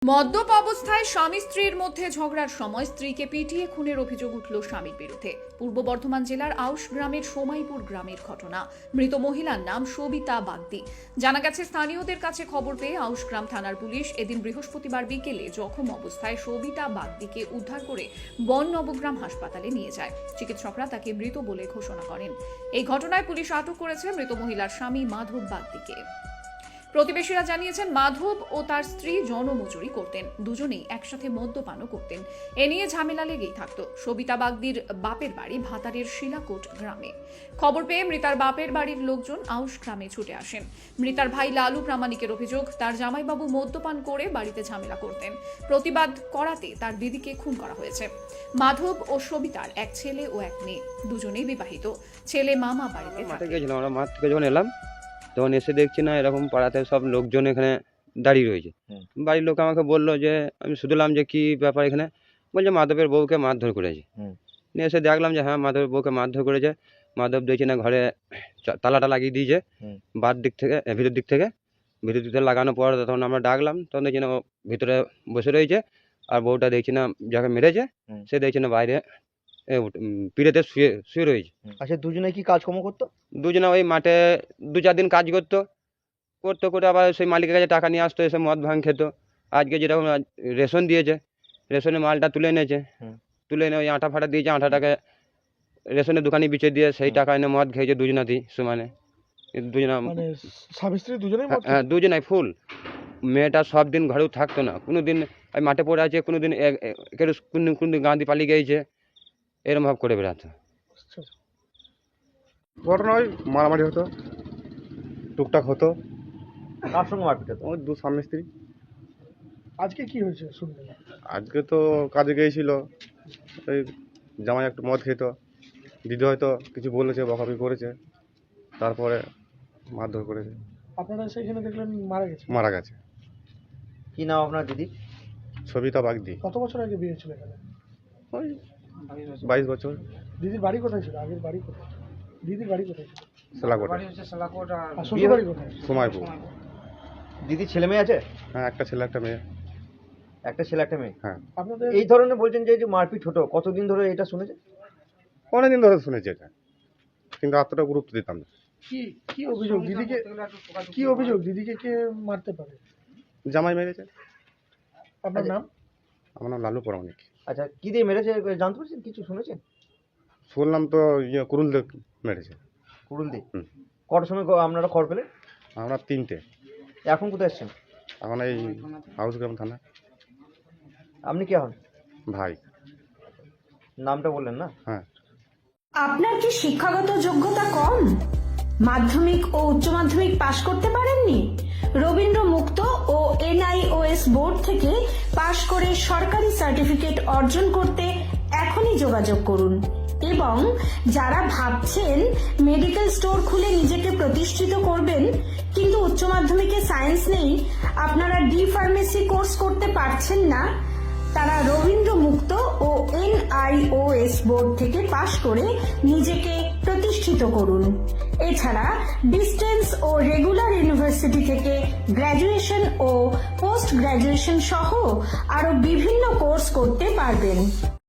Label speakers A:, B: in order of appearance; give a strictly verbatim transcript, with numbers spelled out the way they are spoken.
A: মদ্যপ অবস্থায় স্বামী স্ত্রীর মধ্যে ঝগড়ার সময় স্ত্রীকে পিটিয়ে খুনের অভিযোগ উঠল স্বামীর বিরুদ্ধে। পূর্ব বর্ধমান জেলার আউশ গ্রামের সোমাইপুর গ্রামের ঘটনা। মৃত মহিলার নাম সবিতা বাগদি। জানা গেছে, স্থানীয়দের কাছে খবর পেয়ে আউশ গ্রাম থানার পুলিশ এদিন বৃহস্পতিবার বিকেলে জখম অবস্থায় সবিতা বাগদিকে উদ্ধার করে বন নবগ্রাম হাসপাতালে নিয়ে যায়। চিকিৎসকরা তাকে মৃত বলে ঘোষণা করেন। এই ঘটনায় পুলিশ আটক করেছে মৃত মহিলার স্বামী মাধব বাগদিকে। প্রতিবেশীরা জানিয়েছেন, মাধব ও তার স্ত্রী জনমজুরি করতেন, দুজনেই একসাথে মদ্যপানও করতেন। এ নিয়ে ঝামেলা লেগেই থাকত। সবিতা বাগদির বাপের বাড়ি ভাতারের শিলাকোট গ্রামে। খবর পেয়ে মৃতার বাপের বাড়ির লোকজন আউশ গ্রামে ছুটে আসেন। মৃতার ভাই লালু প্রামাণিকের অভিযোগ, তার জামাইবাবু মদ্যপান করে বাড়িতে ঝামেলা করতেন। প্রতিবাদ করাতে তার দিদিকে খুন করা হয়েছে। মাধব ও সবিতার এক ছেলে ও এক মেয়ে, দুজনেই বিবাহিত। ছেলে মামা বাড়িতে থাকে।
B: তখন এসে দেখছি না এরকম পাড়াতে সব লোকজন এখানে দাঁড়িয়ে রয়েছে। বাড়ির লোক আমাকে বললো যে, আমি শুনলাম যে কি ব্যাপার এখানে, বলছে মাধবের বউকে মারধর করেছে। নিয়ে এসে দেখলাম যে হ্যাঁ, মাধবের বউকে মারধর করেছে। মাধব দেখছি না ঘরে তালাটা লাগিয়ে দিয়েছে বার দিক থেকে, ভিতর দিক থেকে ভিতর দিক থেকে লাগানোর পর তখন আমরা ডাকলাম, তখন দেখছি না ও ভিতরে বসে রয়েছে। আর বউটা দেখছি না যাকে মেরেছে সে দেখছি না বাইরে পিড়েতে শুয়ে শুয়ে রয়েছে।
C: আচ্ছা, দুজনে কি কাজকর্ম করতো?
B: দুজনে ওই মাঠে দু চার দিন কাজ করতো করতে করে আবার সেই মালিকের কাছে টাকা নিয়ে আসতো, এসে মদ ভাঙ খেত। আজকে যেরকম রেশন দিয়েছে, রেশনের মালটা তুলে এনেছে, তুলে এনে ওই আটা ফাটা দিয়েছে, আটাটাকে রেশনের দোকানে বিচে দিয়ে সেই টাকা এনে মদ খেয়েছে দুজনাতেই সমানে। দুজনা
C: স্বামী স্ত্রী দুজনেই?
B: হ্যাঁ, দুজনাই ফুল। মেয়েটা সব দিন ঘরেও থাকতো না, কোনো দিন ওই মাঠে পড়ে আছে, কোনো দিন কোনো কোনো দিন গাঁদি পালিয়ে গিয়েছে, এরকম ভাব করে বেড়াতো।
D: ঘটনা ওই মারামারি হতো, টুকটাক হতো।
C: কার সঙ্গে মারপিট হতো?
D: ওই দু স্বামী স্ত্রী।
E: আজকে কি হয়েছে শুনলেন?
D: আজকে তো কাজে গিয়েছিল, ওই জামাই একটু মদ খেত, দিদি হয়তো কিছু বলেছে, বকাবকি করেছে, তারপরে মারধর করেছে।
E: আপনারা সেখানে দেখলেন মারা গেছে?
D: মারা গেছে।
C: কি নাম আপনার দিদি?
D: সবিতা বাগদি।
E: কত বছর আগে বিয়ে ছিল এখানে?
D: ওই বাইশ বছর।
E: দিদির বাড়ি কোথায় ছিল? আগের বাড়ি কোথায়? দিদির বাড়ি কোথায় ছিল?
D: সেলাকোটে।
E: আর শ্বশুর বাড়ি কোথায়?
D: সোমাইপুর।
C: দিদির ছেলে মেয়ে আছে?
D: হ্যাঁ, একটা ছেলে একটা মেয়ে।
C: একটা ছেলে একটা মেয়ে।
D: হ্যাঁ।
E: আপনাদের
C: এই ধরনের বলছেন যে যে মারপিট হতো, কতদিন ধরে এটা শুনেছেন?
D: অনেকদিন ধরে শুনেছি এটা, কিন্তু এতটা গুরুত্ব দিতাম না।
E: কি কি অভিযোগ দিদিকে? কি অভিযোগ দিদিকে কে মারতে পারে?
D: জামাই মেরেছে।
E: আপনার নাম?
D: আমার নাম লালু প্রামাণিক।
C: আচ্ছা, কি দিয়ে মেরেছে জানতে পারছেন? কিছু শুনেছেন?
D: শুনলাম তো ইয়ে কুরুল দিয়ে মেরেছে।
C: কুড়ুল দিয়ে?
D: হুম।
C: কটার সময় আপনারা খবর পেলেন?
D: আমরা তিনটে।
C: এখন কোথায় এসছেন?
D: এখন এই হাউস গ্রাম থানা।
C: আপনি কে হন?
D: ভাই।
C: নামটা বললেন না?
D: হ্যাঁ।
F: আপনার কি শিক্ষাগত যোগ্যতা কম? মাধ্যমিক ও উচ্চ মাধ্যমিক পাশ করতে পারেননি? রবীন্দ্র মুক্ত ও এনআইওএস বোর্ড থেকে পাশ করে সরকারি সার্টিফিকেট অর্জন করতে এখনই যোগাযোগ করুন। এবং যারা ভাবছেন মেডিকেল স্টোর খুলে নিজেকে প্রতিষ্ঠিত করবেন কিন্তু উচ্চ মাধ্যমিকে সায়েন্স নেই, আপনারা ডি ফার্মেসি কোর্স করতে পারছেন না, তারা রবীন্দ্র মুক্ত ও এনআইওএস বোর্ড থেকে পাশ করে নিজেকে প্রতিষ্ঠিত করুন। এছাড়া ডিস্টেন্স ও রেগুলার ইউনিভার্সিটি থেকে গ্র্যাজুয়েশন ও পোস্ট গ্র্যাজুয়েশন সহ আরো বিভিন্ন কোর্স করতে পারবেন।